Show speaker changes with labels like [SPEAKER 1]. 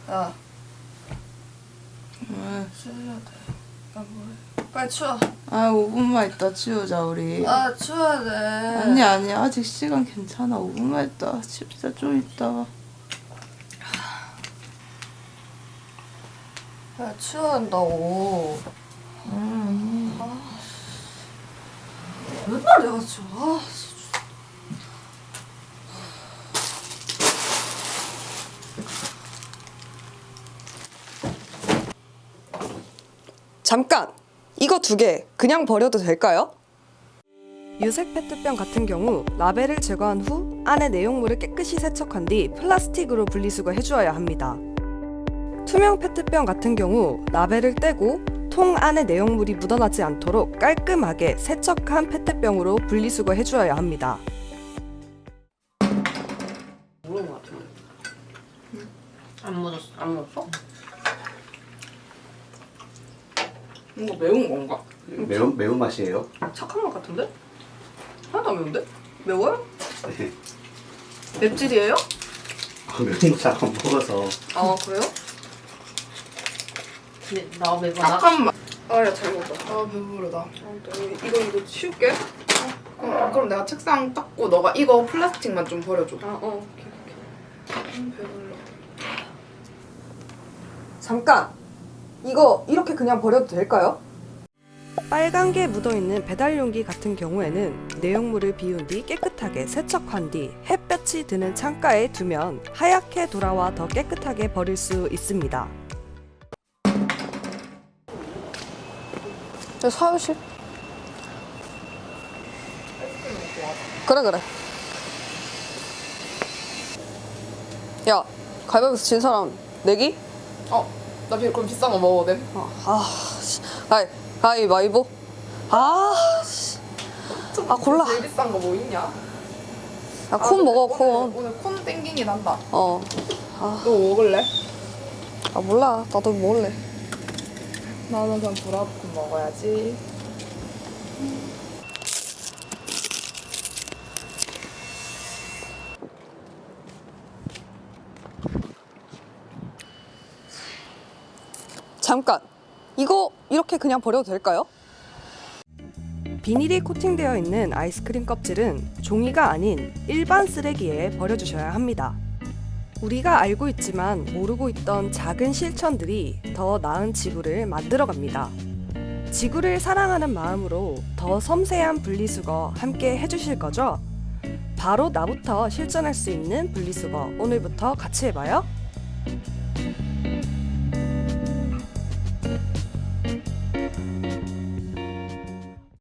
[SPEAKER 1] 야,
[SPEAKER 2] 왜?
[SPEAKER 1] 치워야 돼. 야, 뭐해? 빨리 치워.
[SPEAKER 2] 아, 5분만 있다 치우자 우리.
[SPEAKER 1] 아, 치워야 돼.
[SPEAKER 2] 아니 아직 시간 괜찮아. 5분만 있다 치우자. 좀 있다.
[SPEAKER 1] 야, 치워야 한다고. 맨날 내가 치워.
[SPEAKER 3] 잠깐! 이거 2개 그냥 버려도 될까요? 유색 페트병 같은 경우 라벨을 제거한 후 안에 내용물을 깨끗이 세척한 뒤 플라스틱으로 분리수거 해주어야 합니다. 투명 페트병 같은 경우 라벨을 떼고 통 안에 내용물이 묻어나지 않도록 깔끔하게 세척한 페트병으로 분리수거 해주어야 합니다.
[SPEAKER 4] 모르는 것 같은데. 안 묻었어? 안 묻었어?
[SPEAKER 1] 이거 매운 건가?
[SPEAKER 5] 매운 맛이에요?
[SPEAKER 1] 착한 맛 같은데? 하나도 안 매운데? 매워요?
[SPEAKER 5] 네.
[SPEAKER 1] 맵찔이에요?
[SPEAKER 5] 매운 거 잘 안 먹어서.
[SPEAKER 1] 아, 그래요?
[SPEAKER 4] 근데 나 매번 나
[SPEAKER 1] 잠깐만. 아, 야, 잘 먹었다. 아, 배부르다. 이거 치울게. 그럼 내가 책상 닦고 너가 이거 플라스틱만 좀 버려줘. 오케이. 배불러.
[SPEAKER 3] 잠깐! 이거 이렇게 그냥 버려도 될까요? 빨간 게 묻어있는 배달 용기 같은 경우에는 내용물을 비운 뒤 깨끗하게 세척한 뒤 햇볕이 드는 창가에 두면 하얗게 돌아와 더 깨끗하게 버릴 수 있습니다. 사무실. 그래. 야, 가위바위보에서 진 사람 내기?
[SPEAKER 1] 나 그럼 비싼 거 먹어도 돼?
[SPEAKER 3] 가위바위보. 골라.
[SPEAKER 1] 제일 비싼 거 뭐 있냐?
[SPEAKER 3] 콘 먹어, 콘.
[SPEAKER 1] 오늘 콘 땡기긴 한다.
[SPEAKER 3] 너
[SPEAKER 1] 너 먹을래?
[SPEAKER 3] 몰라. 나도 먹을래.
[SPEAKER 1] 나는 그냥 브라우콘 먹어야지.
[SPEAKER 3] 잠깐! 이거 이렇게 그냥 버려도 될까요? 비닐이 코팅되어 있는 아이스크림 껍질은 종이가 아닌 일반 쓰레기에 버려주셔야 합니다. 우리가 알고 있지만 모르고 있던 작은 실천들이 더 나은 지구를 만들어갑니다. 지구를 사랑하는 마음으로 더 섬세한 분리수거 함께 해주실 거죠? 바로 나부터 실천할 수 있는 분리수거 오늘부터 같이 해봐요.